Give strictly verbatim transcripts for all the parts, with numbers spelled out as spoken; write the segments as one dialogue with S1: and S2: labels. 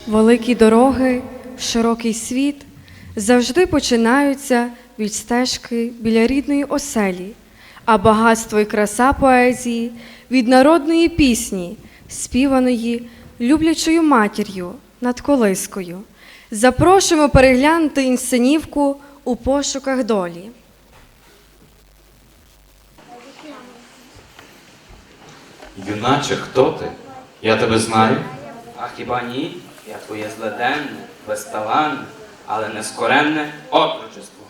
S1: Великі дороги, широкий світ завжди починаються від стежки біля рідної оселі, а багатство і краса поезії від народної пісні, співаної люблячою матір'ю над колискою. Запрошуємо переглянути інсценівку «У пошуках долі».
S2: Юначе, хто ти? Я тебе знаю.
S3: А хіба ні? Я твоє зледенне, безталанне, але нескоренне отрочество.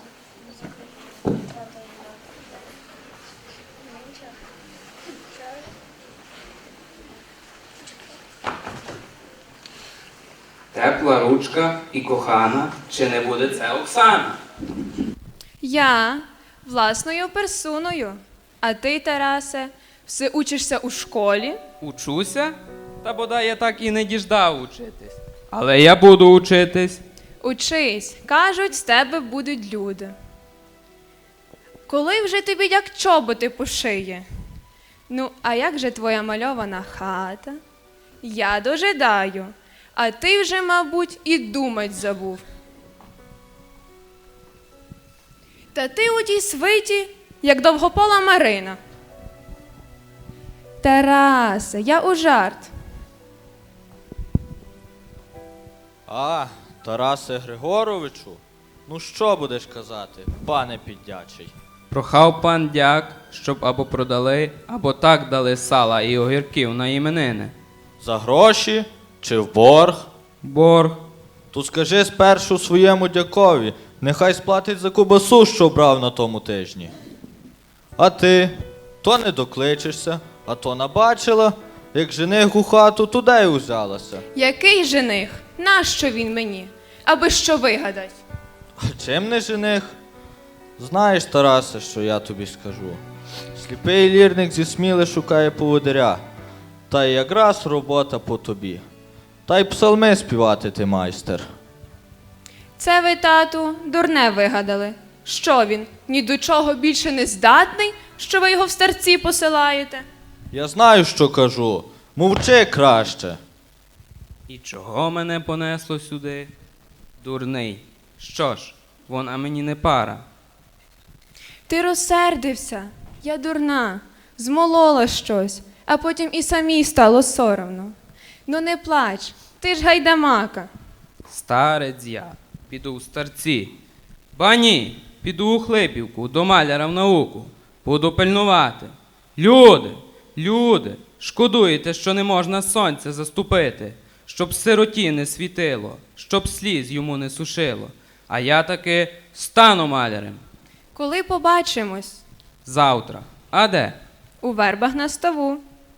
S3: Тепла ручка і кохана, чи не буде це Оксана?
S4: Я власною персоною. А ти, Тарасе, все учишся у школі?
S5: Учуся? Та бодай я так і не діждав учитись. Але я буду учитись.
S4: Учись, кажуть, з тебе будуть люди. Коли вже тобі як чоботи пошиє? Ну, а як же твоя мальована хата? Я дожидаю, а ти вже, мабуть, і думать забув. Та ти у тій свиті, як довгопола Марина. Тарасе, я у жарт.
S6: А, Тарасе Григоровичу, ну що будеш казати, пане піддячий?
S5: Прохав пан дяк, щоб або продали, або так дали сала і огірків на іменини.
S6: За гроші чи в борг?
S5: Борг.
S6: То скажи спершу своєму дякові, нехай сплатить за кубасу, що брав на тому тижні. А ти, то не докличешся, а то набачила, як жених у хату, туди й узялася.
S4: Який жених? Нащо він мені? Аби що вигадать?
S6: А чим не жених? Знаєш, Тарасе, що я тобі скажу. Сліпий лірник зі Сміли шукає поводиря. Та й якраз робота по тобі. Та й псалми співати ти майстер.
S4: Це ви, тату, дурне вигадали. Що він, ні до чого більше не здатний, що ви його в старці посилаєте?
S6: Я знаю, що кажу. Мовчи краще.
S5: І чого мене понесло сюди? Дурний. Що ж, вона мені не пара.
S4: Ти розсердився, я дурна, змолола щось, а потім і самій стало соромно. Ну не плач, ти ж гайдамака.
S5: Старець я, піду в старці. Ба ні, піду у Хлипівку, до маляра в науку. Буду пильнувати. Люди, люди, шкодуєте, що не можна сонця заступити, щоб сироті не світило, щоб сліз йому не сушило. А я таки стану малярем.
S4: Коли побачимось?
S5: Завтра. А де?
S4: У вербах на ставу.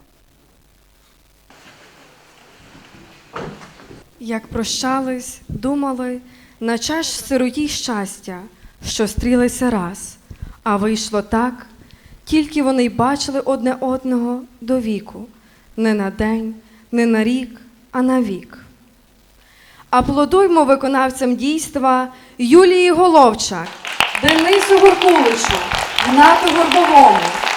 S1: Як прощались, думали, наче ж сироті щастя, що стрілися раз, а вийшло так, тільки вони й бачили одне одного до віку, не на день, не на рік, а на вік. Аплодуймо виконавцям дійства Юлії Головчак, Денису Горкуличу, Гнату Горбовому,